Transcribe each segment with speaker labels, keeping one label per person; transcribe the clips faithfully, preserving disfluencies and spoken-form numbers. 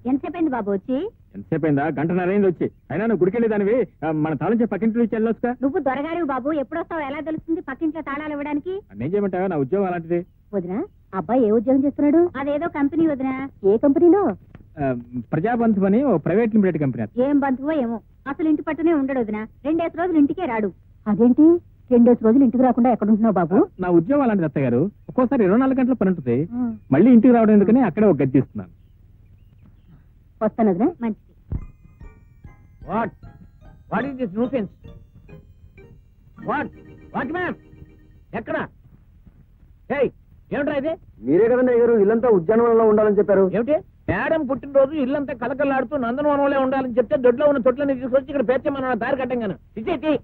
Speaker 1: ఎంతసేపు బాబు వచ్చి?
Speaker 2: ఎంతసేపు అయిందా? గంటన్నర అయింది వచ్చి. అయినా నువ్వు గుడికెళ్ళి దానివి మన తాళం పక్కింటి నుంచి వెళ్ళొచ్చుగా.
Speaker 1: నువ్వు దొరగారు బాబు, ఎప్పుడొస్తావు ఎలా తెలుస్తుంది పక్కింట్లో తాళాలు ఇవ్వడానికి?
Speaker 2: నేను చేయమంటావా? నా ఉద్యోగం అలాంటిది.
Speaker 1: వదినా, అబ్బాయి ఏ ఉద్యోగం చేస్తున్నాడు? అదేదో కంపెనీ వదినా. ఏ కంపెనీలో?
Speaker 2: ప్రజాబంధు అని ఓ ప్రైవేట్ లిమిటెడ్ కంపెనీ.
Speaker 1: ఏం బంధువో ఏమో, అసలు ఇంటి పట్టునే ఉండడు వదినా. రెండేసి రోజులు ఇంటికే రాడు. అదేంటి రెండేసి రోజులు ఇంటికి రాకుండా ఎక్కడ ఉంటున్నావు బాబు?
Speaker 2: నా ఉద్యోగం అలాంటిది అత్తయ్య గారు. ఒక్కోసారి ఇరవై నాలుగు గంటల పని ఉంటుంది. మళ్ళీ ఇంటికి రావడం ఎందుకని అక్కడే ఒక గది తీస్తున్నాను.
Speaker 1: వస్తాను వదినా. మంచిది.
Speaker 3: What? What is this nuisance? What? What man? ఎక్కడ? ఏయ్, ఏమిట్రా ఇది?
Speaker 4: మీరే కదండి అయ్యారు ఇల్లంతా ఉద్యానవనంలో ఉండాలని చెప్పారు.
Speaker 3: ఏమిటి? మేడం పుట్టినరోజు ఇల్లంతా కలకలాడుతూ నందనవనంలో ఉండాలని చెప్తే దొడ్లో ఉన్న తొట్లని తీసుకొచ్చి ఇక్కడ పేర్చమన్న దారి కట్టంగాను. ఇచ్చేటి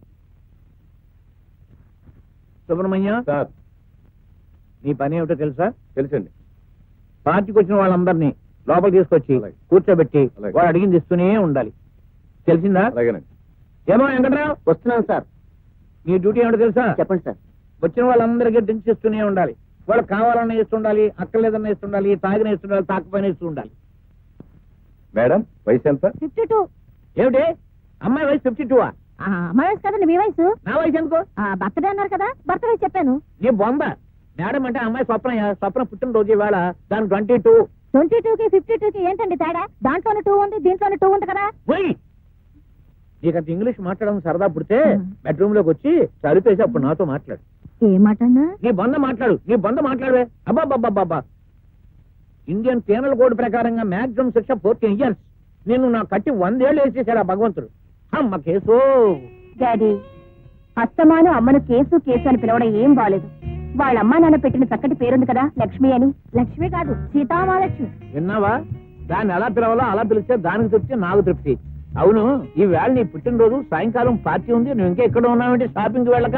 Speaker 3: సుబ్రహ్మణ్య,
Speaker 4: సార్
Speaker 3: నీ పని ఏమిటో తెలుసా?
Speaker 4: తెలుసండి.
Speaker 3: పార్టీకి వచ్చిన వాళ్ళందరినీ లోపల తీసుకొచ్చి
Speaker 4: అలాగే.
Speaker 3: కూర్చోబెట్టి
Speaker 4: అలాగే.
Speaker 3: వాడు అడిగింది ఇస్తూనే ఉండాలి. తెలిసిందా?
Speaker 4: అలాగేనండి.
Speaker 3: ఏమో వెంకట్రావు,
Speaker 4: వస్తున్నాను సార్.
Speaker 3: నీ డ్యూటీ ఏమిటో తెలుసా?
Speaker 4: చెప్పండి సార్.
Speaker 3: వచ్చిన వాళ్ళందరికీ డ్రింక్స్ ఇస్తూనే ఉండాలి. వాళ్ళు కావాలన్నా ఇస్తుండాలి, అక్కర్లేదన్నా ఇస్తుండాలి, తాగిన ఇస్తుండాలి, తాకపోయిన ఇస్తూ ఉండాలి.
Speaker 4: మేడం వయసు ఎంత?
Speaker 1: Fifty two.
Speaker 3: ఏమిటి? అమ్మాయి వయసు ఫిఫ్టీ టూ
Speaker 1: అమ్మాయి వయసు కదండి మీ వయసు.
Speaker 3: నా వయసు ఎందుకో?
Speaker 1: బర్త్డే అన్నారు కదా, బర్త్డే చెప్పాను.
Speaker 3: నీ బొంద. మేడం అంటే అమ్మాయి స్వప్న. స్వప్న పుట్టినరోజు ఇవాళ. దాని ట్వంటీ టూ.
Speaker 1: ట్వంటీ టూ కి ఫిఫ్టీ టూ కి ఏంటండి తేడా? దాంట్లోనే టూ ఉంది, దీంట్లోనే టూ ఉంది కదా.
Speaker 3: పోయి నీకంత ఇంగ్లీష్ మాట్లాడడం సరదా పుడితే బెడ్రూమ్ లోకి వచ్చి చదివేసి అప్పుడు నాతో మాట్లాడు.
Speaker 1: ఏ మాట అన్నా?
Speaker 3: నీ బంద మాట్లాడు. నీ బంద మాట్లాడవే. అబ్బాబ్బాబ్బా, ఇండియన్ పీనల్ కోడ్ ప్రకారంగా మాక్సిమం శిక్ష ఫోర్టీన్ ఇయర్స్. నేను నా కట్టి వందేళ్లు వేసేసాడు ఆ భగవంతుడు. అమ్మ కేసు.
Speaker 1: డాడీ, అత్తమాను అమ్మను కేసు కేసు అని పిలవడం ఏం బాలేదు. వాళ్ళ అమ్మా నాన్న పెట్టిన చక్కటి పేరుంది కదా, లక్ష్మి అని. లక్ష్మి కాదు, సీతామహాలక్ష్మి.
Speaker 3: విన్నావా? దాన్ని ఎలా పిలవాలో అలా పిలిస్తే దానికి తృప్తి, నాకు తృప్తి. అవును, ఈ వేళ నీ పుట్టినరోజు, సాయంకాలం పార్టీ ఉంది. నువ్వు ఇంకా ఎక్కడ ఉన్నావంటే షాపింగ్కి వెళ్ళక?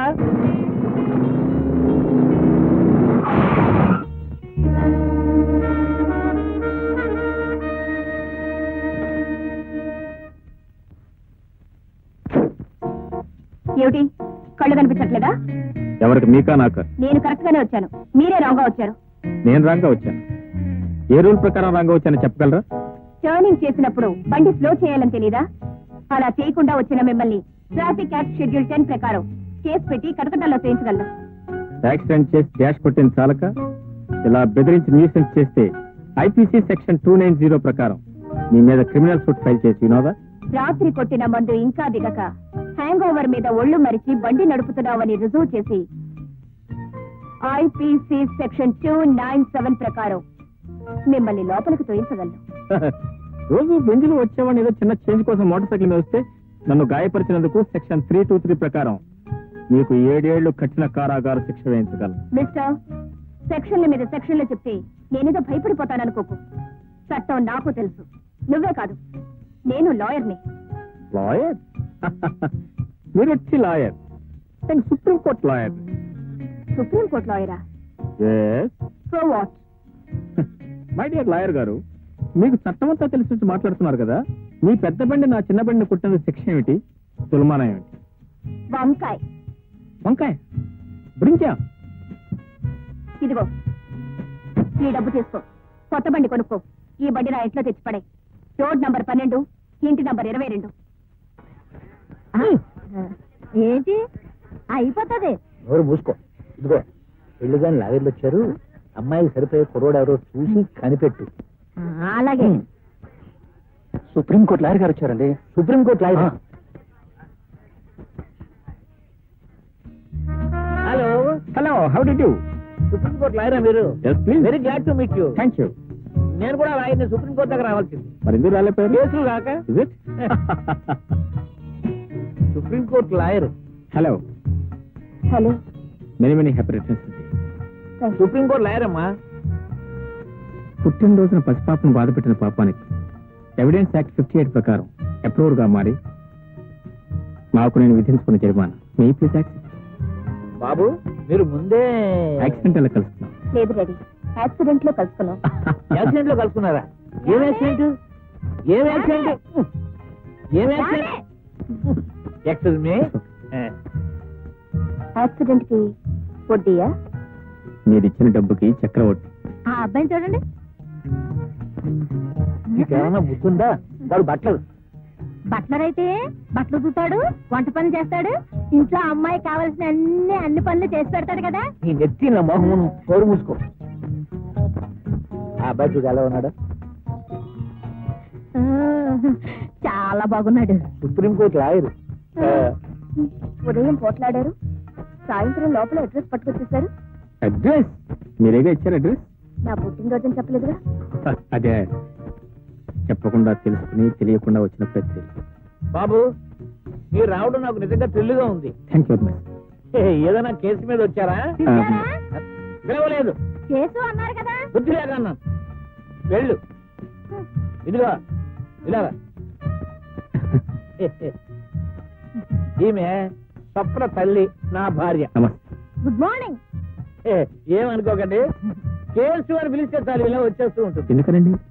Speaker 1: ఏమిటి, కళ్ళు కనిపించట్లేదా?
Speaker 2: ఎవరికి? మీకా నాకా?
Speaker 1: నేను కరెక్ట్ గానే వచ్చాను, మీరే రాంగ్ గా వచ్చారు.
Speaker 2: నేను రాంగ్ గా వచ్చాను. ఏ రూల్ ప్రకారం రాంగ్ గా వచ్చానో చెప్పగలరా?
Speaker 1: టర్నింగ్ చేసినప్పుడు బండి స్లో చేయాలని తెలీదా? అలా చేయకుండా వచ్చిన మిమ్మల్ని ట్రాఫిక్ యాక్ట్ షెడ్యూల్ టెన్ ప్రకారం కేసు పెట్టి కటకటాల్లో చేయించగలను.
Speaker 2: యాక్సిడెంట్ చేసి డాష్ కొట్టిన చాలక ఇలా బెదిరించి న్యూసెన్స్ చేస్తే IPC section two nine zero ప్రకారం మీ మీద క్రిమినల్ సూట్ ఫైల్ చేసి వినోదా?
Speaker 1: రాత్రి కొట్టిన మందు ఇంకా దిగక హ్యాంగ్ ఓవర్ మీద ఒళ్ళు మరిచి బండి నడుపుతున్నావని రుజువు చేసి IPC section two nine seven ప్రకారం మిమ్మల్ని లోపలికి తోయించగలను.
Speaker 2: రోజు బెంజులు వచ్చేవాడిని ఏదో చిన్న చేంజ్ కోసం మోటార్ సైకిల్ మీద వస్తే నన్ను గాయపరిచినందుకు సెక్షన్ త్రీ టూ త్రీ ప్రకారం మీకు ఏడేళ్లు కఠిన కారాగార శిక్ష వేయించగలను.
Speaker 1: మిస్టర్, సెక్షన్ల మీద సెక్షన్లు చెప్తే నేనేదో భయపడిపోతాననుకోకు. చట్టం నాకు తెలుసు, నువ్వే కాదు, నేను లాయర్ని.
Speaker 2: లాయర్? మీరు వచ్చి లాయర్? నేను సుప్రీంకోర్టు లాయర్.
Speaker 1: సుప్రీంకోర్టు లాయరా? So what?
Speaker 2: My dear lawyer గారు, మీకు చట్టమంతా తెలిసి మాట్లాడుతున్నారు కదా. మీ పెద్ద బండి నా చిన్న బండిని కుట్టిన శిక్ష ఏమిటి? తులమానం ఏమిటి?
Speaker 1: వంకాయ.
Speaker 2: వంకాయ? బ్రింకా?
Speaker 1: ఇదిగో ఈ డబ్బు తీసుకో, కొత్త బండి కొనుక్కో. ఈ బండి నా ఇంట్లో తెచ్చిపడే. రోడ్ నంబర్ పన్నెండు, ఇంటి నంబర్ ఇరవై రెండు. ఏంటి అయిపోతుంది?
Speaker 3: ఎవరు మూసుకో. ఇదిగో పెళ్లి గాని లాగర్లు వచ్చారు. అమ్మాయికి సరిపోయే కుర్రోడు ఎవరో చూసి కనిపెట్టు.
Speaker 1: అలాగే.
Speaker 4: సుప్రీంకోర్టు లాయర్ గారు వచ్చారండి.
Speaker 3: Supreme court lawyer? Hello
Speaker 2: hello, how do you?
Speaker 3: Supreme court లాయరా మీరు?
Speaker 2: Yes, please.
Speaker 3: Very glad to meet you.
Speaker 2: Thank you.
Speaker 3: నేను కూడా లాయర్ని. సుప్రీంకోర్టు దగ్గర రావాల్సింది.
Speaker 2: మరి ఎందుకు రాలేపోయారు?
Speaker 3: కేసులు కాక.
Speaker 2: Is it?
Speaker 3: Supreme court lawyer.
Speaker 2: Hello,
Speaker 1: hello.
Speaker 2: Many many happy returns.
Speaker 3: Supreme court lawyer అమ్మా.
Speaker 2: పుట్టినరోజున పసిపాపను బాధ పెట్టిన పాపానికి ఎవిడెన్స్ యాక్ట్ ఫిఫ్టీ ఎయిట్ ప్రకారం అప్రూవర్ గా మారి నాకు నేను విధించుకున్న జరిమానా మీ ప్లీజ్ యాక్ట్.
Speaker 3: బాబు, మీరు ముందే
Speaker 2: యాక్సిడెంట్ అలా కలుస్తున్నాం.
Speaker 1: లేదు రెడీ, యాక్సిడెంట్ లో కలుసుకున్నాం.
Speaker 3: యాక్సిడెంట్ లో కలుసుకున్నారా? ఏం యాక్సిడెంట్? ఏం యాక్సిడెంట్? ఏం యాక్సిడెంట్? Excuse me.
Speaker 1: యాక్సిడెంట్ కి వడ్డీయా?
Speaker 2: మీరు ఇచ్చిన డబ్బుకి చక్రవడ్డీ.
Speaker 1: ఆ అబ్బాయిని చూడండి.
Speaker 3: నీకేమన్నా బుద్ధుందా? వాడు బట్టలు
Speaker 1: బట్లర్ అయితే బట్టలు చూతాడు, వంట పనులు చేస్తాడు, ఇంట్లో అమ్మాయి కావాల్సిన అన్ని అన్ని పనులు చేసి పెడతాడు కదా.
Speaker 3: నీ నెత్తి నా మొహం కోరు మూసుకో. ఆ అబ్బాయి చూడు ఎలా ఉన్నాడు?
Speaker 1: ఆ, చాలా బాగున్నాడు.
Speaker 3: Supreme court lawyer.
Speaker 1: ఉదయం పోట్లాడారు, సాయంత్రం లోపల అడ్రస్ పట్టుకొచ్చేసారు.
Speaker 2: అడ్రస్ మీరేగా ఇచ్చారు అడ్రస్?
Speaker 1: నా పుట్టినరోజు చెప్పలేదుగా.
Speaker 2: అదే చెప్పకుండా తెలుసుకుని తెలియకుండా వచ్చిన ప్రతి.
Speaker 3: బాబు మీరు రావడం నాకు నిజంగా థ్రిల్లుగా ఉంది.
Speaker 2: థ్యాంక్ యూ వెరీ
Speaker 3: ఏ, ఏదైనా కేసు మీద వచ్చారా?
Speaker 1: పిలిచారా?
Speaker 3: పిలవలేదు,
Speaker 1: కేసు అన్నారు కదా.
Speaker 3: బుద్ధి లేక అన్నాను. వెళ్ళు. ఇదిగో ఇలాగా. ఈమె స్వప్న తల్లి, నా భార్య.
Speaker 2: నమస్తే.
Speaker 1: Good morning.
Speaker 3: ఏ, ఏమనుకోకండి, కేసు అని పిలిస్తే చాలు ఇలా వచ్చేస్తూ ఉంటుంది.
Speaker 2: ఎందుకనండి?